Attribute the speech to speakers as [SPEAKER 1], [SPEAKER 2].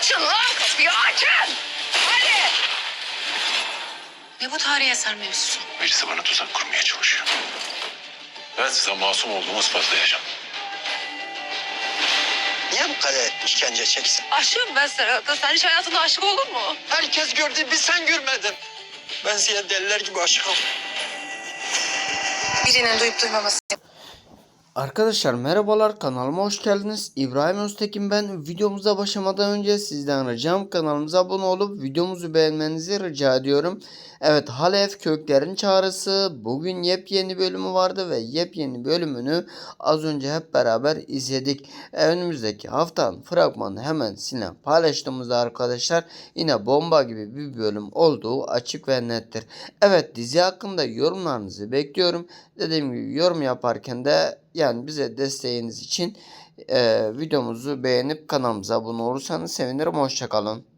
[SPEAKER 1] Açın lan kapıyı, açın! Hadi! Ne bu tarihi eser mevzusu?
[SPEAKER 2] Birisi bana tuzak kurmaya çalışıyor. Ben size masum olduğumu ispatlayacağım.
[SPEAKER 3] Niye bu kadar işkence çeksin?
[SPEAKER 1] Aşığım ben Serhat'a. Sen hiç hayatında aşık olur mu?
[SPEAKER 3] Herkes gördü, bir sen görmedin. Ben size deliler gibi aşığım.
[SPEAKER 1] Birinin duyup duymaması.
[SPEAKER 4] Arkadaşlar merhabalar, kanalıma hoş geldiniz. İbrahim Öztekin ben. Videomuza başlamadan önce sizden ricam kanalımıza abone olup videomuzu beğenmenizi rica ediyorum. Evet, Halef Köklerin Çağrısı bugün yepyeni bölümü vardı ve yepyeni bölümünü az önce hep beraber izledik. Önümüzdeki haftanın fragmanı hemen sizinle paylaştığımızda arkadaşlar yine bomba gibi bir bölüm olduğu açık ve nettir. Evet, dizi hakkında yorumlarınızı bekliyorum. Dediğim gibi yorum yaparken de yani bize desteğiniz için videomuzu beğenip kanalımıza abone olursanız sevinirim. Hoşça kalın.